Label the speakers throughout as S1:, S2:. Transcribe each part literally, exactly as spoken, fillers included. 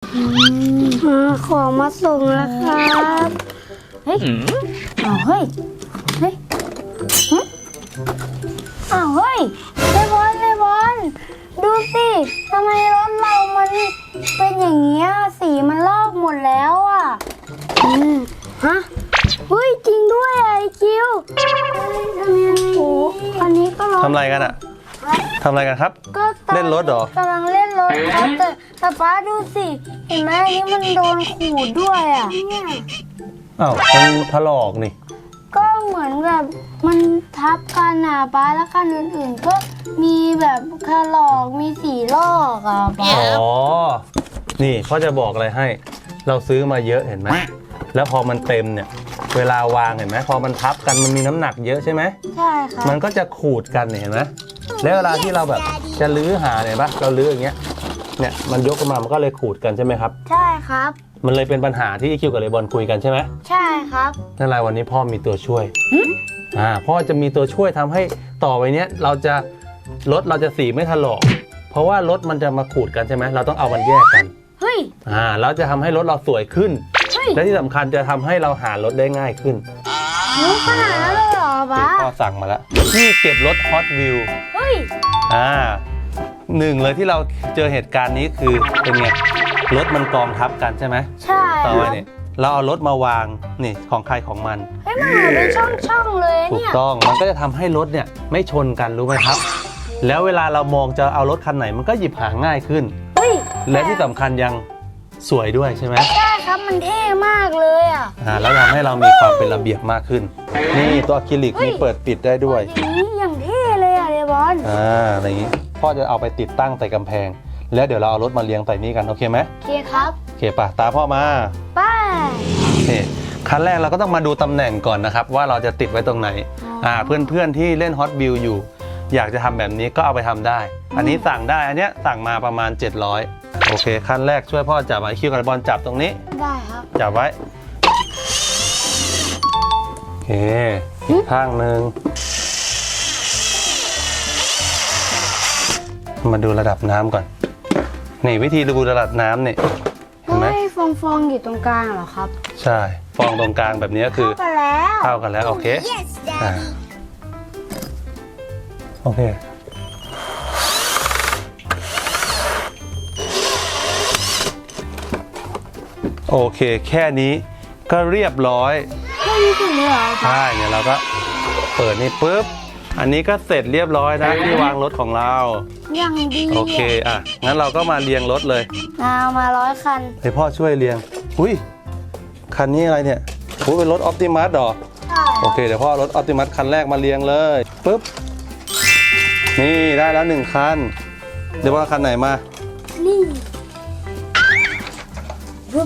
S1: ของมาส่งแล้วครับเฮ้ยอ้าวเฮ้ยเฮ้ยอ้าวเฮ้ยเลบอนเลบอนดูสิทำไมรถเรามันเป็นอย่างเงี้ยสีมันลอกหมดแล้วอ่ะอืมฮะเฮ้ยจริงด้วยไอคิวทำยังไงโอ้อันนี้ก็รถ
S2: ทำอะไรกันอะทำอะไรกันครับ
S1: ก็ตอน
S2: เล่นรถเหรอ
S1: กำลังเล่นรถครับแต่แต่ป้าดูสิเห็นไหมอันนี้มันโดนขูดด้วยอ่ะเนี่ย
S2: อ้าวมันถลอกนี่
S1: ก็เหมือนแบบมันทับกันอ่ะป้าแล้วคันอื่นๆ ก็มีแบบถลอกมีสีลอกอ่ะป้า
S2: อ๋อ นี่พ่อจะบอกอะไรให้ เราซื้อมาเยอะเห็นไหม แล้วพอมันเต็มเนี่ย เวลาวางเห็นไหมพอมันทับกันมันมีน้ำหนักเยอะใช่ไหม
S1: ใช่ครับ
S2: มันก็จะขูดกันเนี่ยเห็นไหมแล้วเวลาที่เราแบบจะลื้อหาเนี่ยปะเราลื้ออย่างเงี้ย เนี่ยมันยกออกมา มันก็เลยขูดกันใช่ไหมครับ
S1: ใช่ครับ
S2: มันเลยเป็นปัญหาที่คิวกับเลบอนคุยกันใช่ไหม
S1: ใช่ครับ
S2: นั่นแหละวันนี้พ่อมีตัวช่วย อ่า พ่อจะมีตัวช่วยทำให้ต่อไปเนี้ยเราจะรถเราจะสีไม่ถลอก เพราะว่ารถมันจะมาขูดกันใช่ไหมเราต้องเอามันแยกกัน
S1: เฮ้ย
S2: อ่าแล้วจะทำให้รถเราสวยขึ้น
S1: เฮ้ย
S2: และที่สำคัญจะทำให้เราหารถได้ง่ายขึ้น
S1: รู้ขนาดนั้นเลยเหรอป้า
S2: พ่อสั่งมาแล้วที่เก็บรถ Hot Wheels
S1: เฮ้ย
S2: อ่าหนึ่งเลยที่เราเจอเหตุการณ์นี้คือเป็นไงรถมันกองทับกันใช่ไหม
S1: ใช่
S2: ต่อไปเนี่ยเราเอารถมาวางนี่ของใครของมัน
S1: เฮ้ยมันเหมือนเป็นช่องๆเลย
S2: ถูก
S1: เนี่ย
S2: ต้องมันก็จะทำให้รถเนี่ยไม่ชนกันรู้ไหมครับ แล้วเวลาเรามองจะเอารถคันไหนมันก็หยิบหาง่ายขึ้น
S1: เฮ้ย
S2: และที่สำคัญยังสวยด้วยใช่ไหม
S1: ใช่ครับมันเท่มากเลยอ่ะ
S2: อ่าแล้วทำให้เรามีความเป็นระเบียบมากขึ้น นี่ตัวอะคริลิกมีเปิดปิดได้ด้วย
S1: อย่างนี้อย่างเท่เลยอ่ะเดบอน
S2: อ่าอะไรอย่างนี้พ่อจะเอาไปติดตั้งใส่กำแพง แล้วเดี๋ยวเราเอารถมาเรียงใส่นี่กันโอเคไหม
S1: โอเคครับ
S2: โอเคป่ะตาพ่อมา
S1: ไป้า
S2: โอเคขั้นแรกเราก็ต้องมาดูตำแหน่งก่อนนะครับว่าเราจะติดไว้ตรงไหนอ่าเพื่อนๆที่เล่น Hot Wheels อยู่ อยากจะทำแบบนี้ก็เอาไปทำได้ อันนี้สั่งได้อันเนี้ยสั่งมาประมาณเจ็ดร้อยโอเคขั้นแรกช่วยพ่อจับไว้คิวกับบอลจับตรงนี้
S1: ได้ครับ
S2: จับไว้โอเคอีกข้างหนึ่งมาดูระดับน้ำก่อนนี่วิธีดูระดับน้ำเนี่ยเห็นไหม
S1: เฮ้ยฟองฟองๆอยู่ตรงกลางเหรอครับ
S2: ใช่ฟองตรงกลางแบบนี้ก็คือ
S1: เข้ากันแล้ว
S2: เข้ากันแล้วโอเคอ่าโอเคโอเคแค่นี้ก็เรียบร้อย
S1: แค่นี้ถึงเลยเหรอครับ
S2: ใช่เนี่ยเราก็เปิดนี่ปุ๊บอันนี้ก็เสร็จเรียบร้อยนะที่วางรถของเรา
S1: อย่างดี
S2: โอเคอ่ะงั้นเราก็มาเรียงรถเลย
S1: เอามาร้อยคัน
S2: ให้พ่อช่วยเรียงอุ้ยคันนี้อะไรเนี่ยอุ้ยเป็นรถออ t ติมัสหรอ
S1: ใช่
S2: โอเคเดี๋ยวพ่อรถออ t ติมัสคันแรกมาเรียงเลยปุ๊บนี่ได้แล้วหนึ่งคันเดี๋ยวว่าคันไหนมา
S1: นี่ปุ๊บ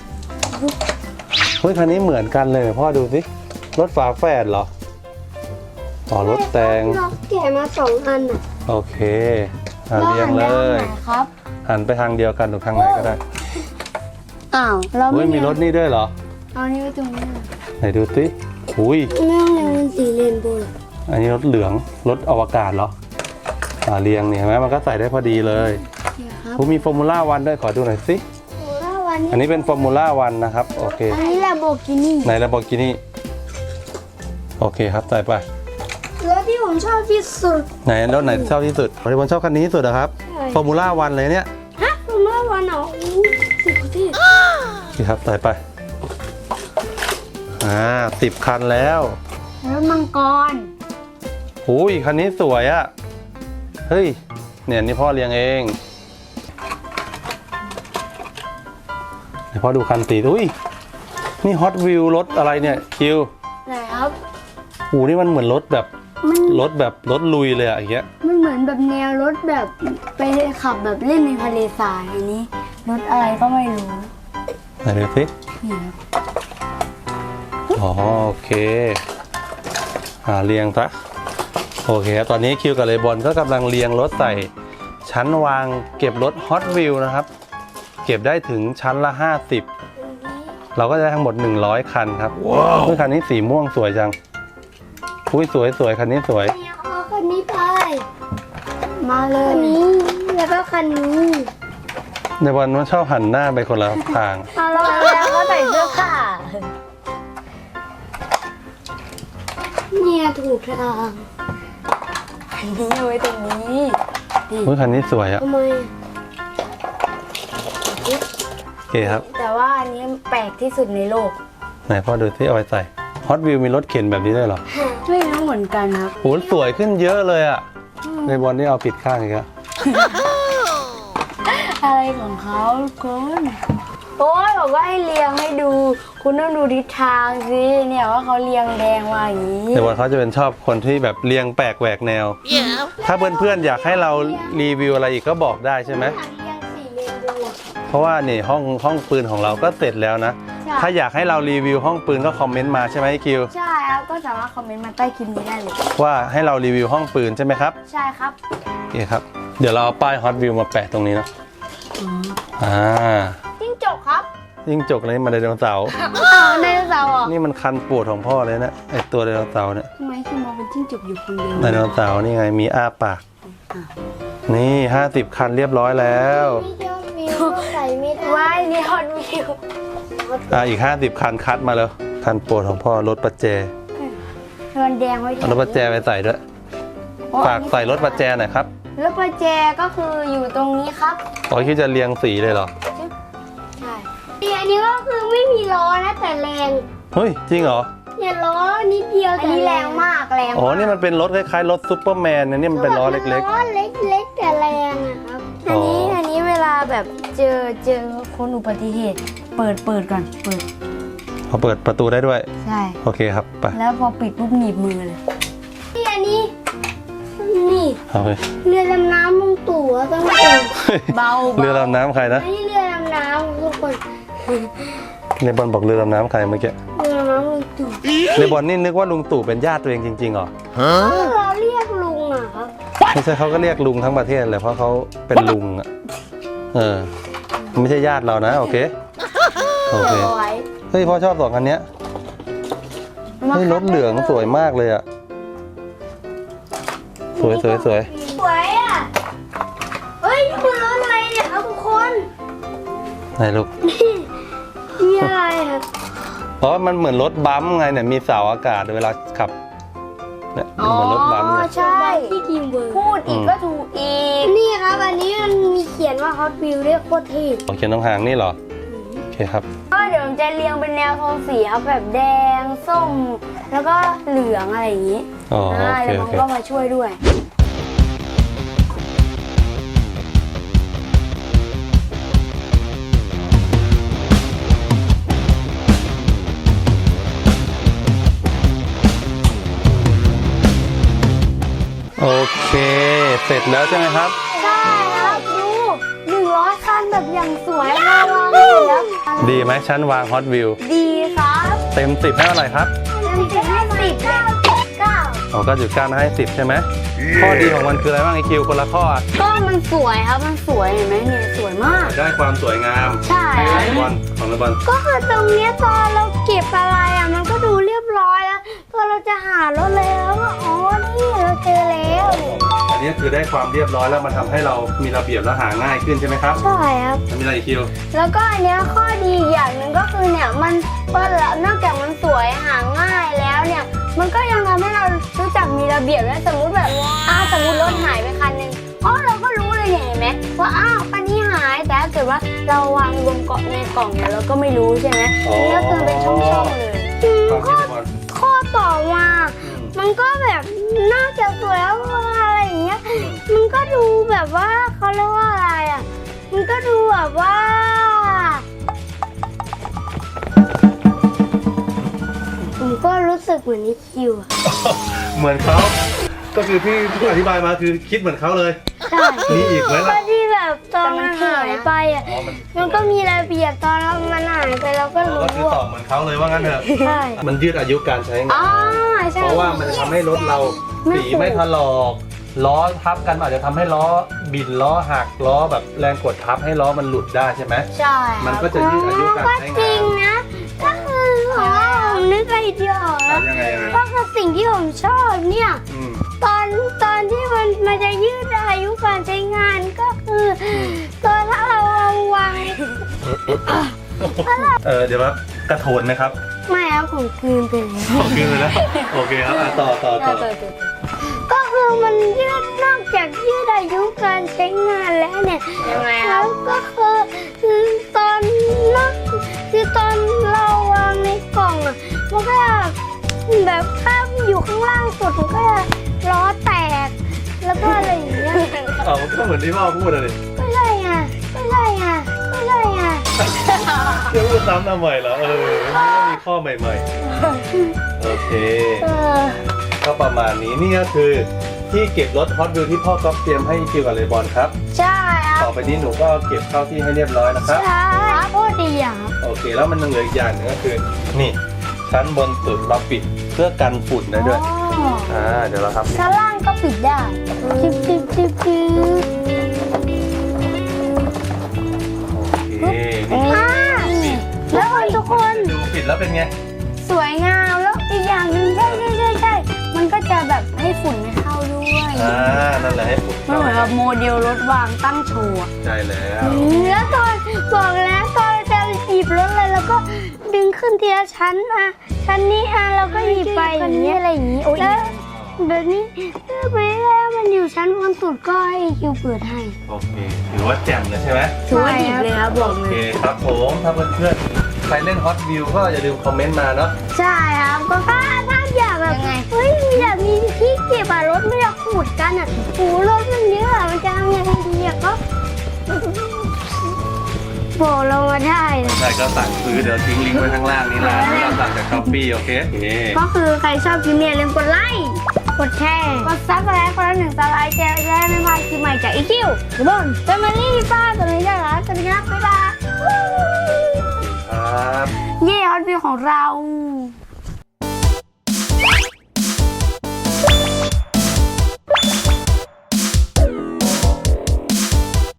S2: เฮ้ยคันนี้เหมือนกันเลยพ่อดูสิรถฝาแฝดเหรออ๋อรถแต่ง
S1: เราแกะมาสองอันอ่ะ
S2: โอเคอ่ะเรียงเลย
S1: ไหนครับ
S2: หันไปทางเดียวกันหรือทางไหนก็ได้
S1: อ้าวเรา
S2: เฮ้
S1: ไม่
S2: ยมีรถนี่ด้วยเหรอ
S1: เอานี่ไว้ตรงนี้
S2: ไหนดูสิอุ้ย
S1: ไม่ต้องเรียงเป็นสีเรนโบว์
S2: อันนี้รถเหลืองรถอวกาศเหรออ่าเรียงเนี่ยเห็นไหมมันก็ใส่ได้พอดีเลย
S1: โอเคครับ
S2: ผมมีฟอร์มูล่าวันด้วยขอดูหน่อยสิ
S1: โอ้แล้ววัน
S2: อัน
S1: นี้
S2: นี้เป็นฟอร์มูล่าวันนะครับโอเค
S1: อันนี้แลมโบกินี่
S2: ในระบบกินี่โอเคครับใส่ไป
S1: รถที่ผมชอบที่สุด
S2: ไหนรถไหนชอบที่สุดบริบอลชอบคันนี้ที่สุดเหรอครับ
S1: ใช่
S2: ฟอร์มูล่าวันเลยเนี่ย
S1: ฮะผมเมื่อวันเหรออู้สุดที่
S2: นี่ครับใส่ไปอ่าสิบคันแล้ว
S1: รถมังกร
S2: หูยคันนี้สวยอะเฮ้ยเนี่ยนี่พ่อเลี้ยงเองเดี๋ยวพ่อดูคันสีอุ้ยนี่ฮอตวิวรถอะไรเนี่ยคิว
S1: ไหนครับ
S2: หูนี่มันเหมือนรถแบบ
S1: มัน
S2: รถแบบรถลุยเลยอะอย่างเงี้ย
S1: มันเหมือนแบบแนวรถแบบไปขับแบบเล่นในทะเลทรายอันนี้รถอะไรก็ไม่รู้
S2: ไหนดูสิ
S1: นี่ครับ
S2: อ๋อโอเคอ่าเรียงซะโอเคครับตอนนี้คิวกับเลบอนก็กำลังเรียงรถใส่ชั้นวางเก็บรถ Hot Wheels นะครับเก็บได้ถึงชั้นละห้าสิบเราก็จะได้ทั้งหมดหนึ่งร้อยคันครับว้าวคันนี้สีม่วงสวยจังอุ้ยสวยสวยคันนี้สวย
S1: เอาคันนี้ไปมาเลยคันนี้แล้วก็คันนี้
S2: ในวันมันชอบหันหน้าไปคนละทาง
S1: เอาแล้วแล้วก็ใส่เสื้อขาเนี่ยถูกทางอันนี้เอาไว้ตรงนี้
S2: อุ้ยคันนี้สวยอะ
S1: ทำไม
S2: โอเคครับ
S1: แต่ว่าอันนี้แปลกที่สุดในโลก
S2: ไหนพ่อดูที่เอาไปใส่ฮอตวิวมีรถเข็นแบบนี้ด้วยเหรอ
S1: ไม่รู้เหมือนกันครับ
S2: โหสวยขึ้นเยอะเลยอะในบอลนี่เอาผิดข้างอีกแล้ว
S1: อะไรของเขาคุณโอ้ยบอกว่าให้เรียงให้ดู คุณต้องดูทิศทางสิเนี่ยว่าเขาเรียงแดงมาอย่างนี้
S2: ในบอลเขาจะเป็นชอบคนที่แบบเรียงแปลกแหวกแนว ถ้าเพื่อนๆอยากให้เรารีวิวอะไรอีกก็บอกได้ใช่ไหม
S1: เรียงสี่เรียงดู
S2: เพราะว่านี่ห้องห้องปืนของเราก็เสร็จแล้วนะ
S1: ใช่
S2: ถ้าอยากให้เรารีวิวห้องปืนก็คอมเมนต์มาใช่ไหมคิว
S1: ใช่ครับก็สามารถคอมเมนต์มาใต้คลิปนี้ได้เลย
S2: ว่าให้เรารีวิวห้องปืนใช่ไหมครับ
S1: ใช่ครับ
S2: โอเคครับ เดี๋ยวเราเอาป้ายฮอตวิวมาแปะตรงนี้เนอะอ่า
S1: จิ้งจกครับ
S2: ยิ่งจกเลยมาไดโนเสาร์
S1: อ้าวไดโนเสาร์เหรอ
S2: นี่มันคันปวดของพ่อเลยนะไอตัวไดโนเสาร์เนี่ย
S1: ทำไมคิดมองเป็นจิ้งจกอยู่คนเดียว
S2: ไดโนเสาร์นี่ไงมีอ้าปาก นี่ห้าสิบคันเรียบร้อยแล้ว
S1: มียอดวิวใส่ไม่ได้ว้ายนี่ยอดวิว
S2: อ่าอีกห้าสิบคันคัดมาแล้วคันปวดของพ่อรถประแจ
S1: มันแดงไว้
S2: เอารถประแจไปใส่ด้วยฝากใส่รถประแจหน่อยครับ
S1: รถประแจก็คืออยู่ตรงนี้ครับ
S2: อ๋อคิดจะเรียงสีเลยเหรอ
S1: ใช่อันนี้ก็คือไม่มีล้อนะแต่แรง
S2: เฮ้ยจริงเหรอ
S1: เนี่ยล้อนิดเดียวแต่แรงมากแรง
S2: อ๋อนี่มันเป็นรถคล้ายๆรถซูเปอร์แมนนะนี่มันเป็นล้อเล็ก
S1: ล้อเล็กๆแต่แรงอะครับ อันนี้
S2: อ๋ออั
S1: อันนี้เวลาแบบเจอเจอคนอุบัติเหตุ เปิดเปิดก่อนเปิด
S2: ๆพอเปิดประตูได้ด้วย
S1: ใช่
S2: โอเคครับไป
S1: แล้วพอปิดปุ๊บหนีบมือเลยนี่อันนี้นี่
S2: เอาไป
S1: เรือดำน้ำลุงตู่อะต้องเองเบา
S2: เรือดำน้ำใครนะ
S1: อันนี้เรือดำน้ำทุกคน
S2: เลบอนบอกเรือดำน้ำใครเมื่อกี้
S1: เรือดำน้ำลุงตู่
S2: เลบอนนี่นึกว่าลุงตู่เป็นญาติตัวเองจริงๆเหรอ
S1: เราเรียกลุงอะครับ
S2: ไม่ใช่เขาก็เรียกลุงทั้งประเทศเลยเพราะเขาเป็นลุงอ่ะเออไม่ใช่ญาติเรานะโอเคโอเค
S1: เอาไว้
S2: เฮ้ยพ่อชอบสองคันเนี้ยเฮ้ยรถเหลืองสวยมากเลยอ่ะสวยสวยสวย
S1: สวยอะเฮ้ยนี่คือรถอะไรเนี่ยครับทุกคน
S2: ไหนลูก
S1: นี่อะไรครับ
S2: เพราะมันเหมือนรถบัมป์ไงเนี่ยมีเสาอากาศเวลาขับเนี่ยเหมือนรถบัมป์เลย
S1: ใช่ที่ทีมเวิร์พูดอีกก็ถูกอีก นี่ครับอันนี้มันมีเขียนว่า Hot Wheels เรียกโคตรเท่
S2: โอเคน้องหางนี่เหรอโอเคครับ
S1: ก็เดี๋ยวผมจะเรียงเป็นแนวโทนสีครับแบบแดงส้ม แล้วก็เหลืองอะไรอย่างนี้
S2: อ๋อโอเค
S1: แล้ว
S2: โอ
S1: มัน
S2: เค
S1: ก็มาช่วยด้วย
S2: โอเค เสร็จแล้วใช่ไหมครับ
S1: ใช่ครับดูหนึ่งร้อยคันแบบอย่างสวยมากเลยแล้ว
S2: ดีไหมชั้นวางฮอตวิว
S1: ดีครับ
S2: เต็มสิบให้เท่าไหร่ครับ
S1: เต็มสิบให้สิบเก้าสิบเก้า
S2: อ๋อก็จุดเก้าให้สิบใช่ไหมข้อดีของมันคืออะไรบ้างไอคิวคนละข้ออะ
S1: ก็มันสวยครับมันสวยเห็นไหมเนี่ยสวยมาก
S2: ได้ความสวยงาม
S1: ใช่
S2: เลบอลของเลบอล
S1: ก็คือตรงเนี้ยตอนเราเก็บอะไรอ่ะมันก็ดูเรียบร้อยแล้วพอเราจะหารถแล้วก็อ๋อนี่เราเจอแล้ว
S2: อันนี้คือได้ความเรียบร้อยแล้วมันทำให้เรามีระเบียบและหาง่ายขึ้นใช่ไหมครับ
S1: ใช่ครับ
S2: แล้วมีอะไรอีกคิว
S1: แล้วก็อันเนี้ยข้อดีอีกอย่างหนึ่งก็คือเนี่ยมันเปิดแล้วนอกจากมันสวยหาง่ายแล้วเนี่ยมันก็ยังทำให้เรารู้จักมีระเบียบและสมมุติแบบอ้าวสมมติรถหายไปคันหนึ่งอ๋อเราก็รู้เลยเนี่ยเห็นไหมว่าอ้าวคันนี้หายแต่ถ้าเกิดว่าเราวางรวมเกาะในกล่องเนี่ยเราก็ไม่รู้ใช่ไหมนี่ก็คือเป็นช่องๆเลยอืม
S2: ความคิ
S1: ข้
S2: ด
S1: อ
S2: เลบอล
S1: ข้อต่อมามันก็แบบน่าจะสวยแล้วอะไรอย่างเงี้ยมันก็ดูแบบว่าเขาเรียกว่าอะไรอ่ะมันก็ดูแบบว่าผมก็รู้สึกเหมือนนิคิวอะ
S2: เหมือนเขาก็คือที่ที่อธิบายมาคือคิดเหมือนเขาเลย
S1: ใช่
S2: มีอีกไหม
S1: ก็
S2: ล่ะ
S1: ที่แบบตอนมันหายไปอ่ะ
S2: อ๋อมัน
S1: มันก็มีระเบียบตอนเรามันหายไปเราก็
S2: อ๋อ
S1: รู้
S2: ก็คือตอบเหมือนเขาเลยว่างั้นเถอะ
S1: ใช่
S2: มันยืดอายุการใช้งา
S1: อ๋อน ใช่
S2: เพราะว่ามันจะทำให้รถเรา
S1: ไม่
S2: สี
S1: ถูก
S2: ไม่ถลอกล้อทับกันอาจจะทำให้ล้อบินล้อหักล้อแบบแรงกดทับให้ล้อมันหลุดได้ใช่ไหม
S1: ใช่
S2: มันก็จะยืดอายุการใช้งาน
S1: ก็จริงนะก็คือของเราผมนึกไอเดียออก
S2: อ่ะ
S1: แล้ว
S2: ยังไงยังไง
S1: ก็คือสิ่งที่ผมชอบเนี่ย
S2: อืม
S1: ตอนตอนที่มันมันจะยืดอายุการใช้งานก็คืออตอนถ้าเราเอาว
S2: เออเดี๋ยวว่ากระโถนนะครับ
S1: ไม่เอาของคืนไปเลย
S2: โอเคเลยนะโอเคครับอ่ะต่อต่อต่อ
S1: ก็คือมันยืดนอกจากยืดอายุการใช้งานแล้วเนี่ยยังไงครับก็คือคือตอนนอกคือตอนเราวางในกล่องอ่ะมันก็แบบถ้าอยู่ข้างล่างสุดมันก็จะล้อแตกแล้วก็อะไรอย่างเงี้ย
S2: เอาก็เหมือนที่พ่อพูดเลย
S1: ก็ใช่ไงก็ใช่ไงก็ใช่ไง
S2: เดี๋ยวพูดซ้ำทำไมเหรอเออมันก็มีข้อใหม่ๆโอเค
S1: เออ
S2: ก็ประมาณนี้นี่ก็คือที่เก็บรถฮอตวิวที่พ่อก๊อฟเตรียมให้คิวกับเลบอนครับ
S1: ใช่ค
S2: ต่
S1: รั
S2: อบ ไปนี้หนูก็เก็บเข้าที่ให้เรียบร้อยนะครับ
S1: ใช่โคตรดีอ่ะ
S2: โอเคแล้วมันยังเหลืออีกอย่างหนึงก็คือนี่ชั้นบนสุดเราปิดเพื่อกันฝุ่นได้ด้วย
S1: อ๋อ
S2: อ่าเดี๋ยวเราทำ
S1: ชั้นล่างก็ปิดได้จิบจิบจิบจิบ
S2: โอเคนี่
S1: อ่าแล้วคนทุกคน
S2: ดูปิดแล้วเป็นไง
S1: สวยงามแล้วอีกอย่างหนึ่งใช่ใช่ใช่ใช่มันก็จะแบบให้ฝุ่นไม่เข้าด้วย
S2: อ่านั่นแหละให้ฝุ่น
S1: มันเหมือนกับโมเดลรถวางตั้งโชว์อะ
S2: ใช่แล้ว
S1: แล้วตอนบอกแล้วตอนจะหยิบรถเลยแล้วก็ดึงขึ้นทีละชั้นอ่ะชั้นนี้อ่ะเราก็หยิบไปอย่างเงี้ยอะไรอย่างงี้แล้วแบบนี้ถ้าไม่ได้มันอยู่ชั้นบนสุดก็ให้คิวเปิดให้
S2: โอเคถือว่าแจ่มเลยใช่ไหม
S1: ถือว่าหยิบเลยครับบอก
S2: โอ
S1: เล
S2: เค
S1: ย
S2: ครับผมถ้าเพื่อนๆใครเล่นฮอตวิวก็อย่าลืมคอมเมนต์มาเนาะ
S1: ใช่ครับก็ถ้าถ้าอยากแบบเฮ้ยอยากมีที่เก็บอะรถไม่อยากขูดกันอะโอ้รถมันเยอะอะมันจะทำยังไงดีอะก็บอกเรามาได้นะ
S2: ใช่ก็สั่งซื้อเดี๋ยวทิ้งลิงก์ไว้ข้างล่างนี้นะที่เราสั่งจากช้อปปี้โอเคโอเค
S1: ก็คือใครชอบคลิปนี้อย่าลืมกดไลค์กดแชร์กดซับสไครต์คนละหนึ่งซับสไครต์แชร์จะได้ไม่พลาดคลิปใหม่จากอีคิวหรือบนเฟมิลี่ป้าตัวนี้ได้แล้วสวัสดีครับบ๊ายบาย
S2: ครับ
S1: เย่ฮอตวิวของเรา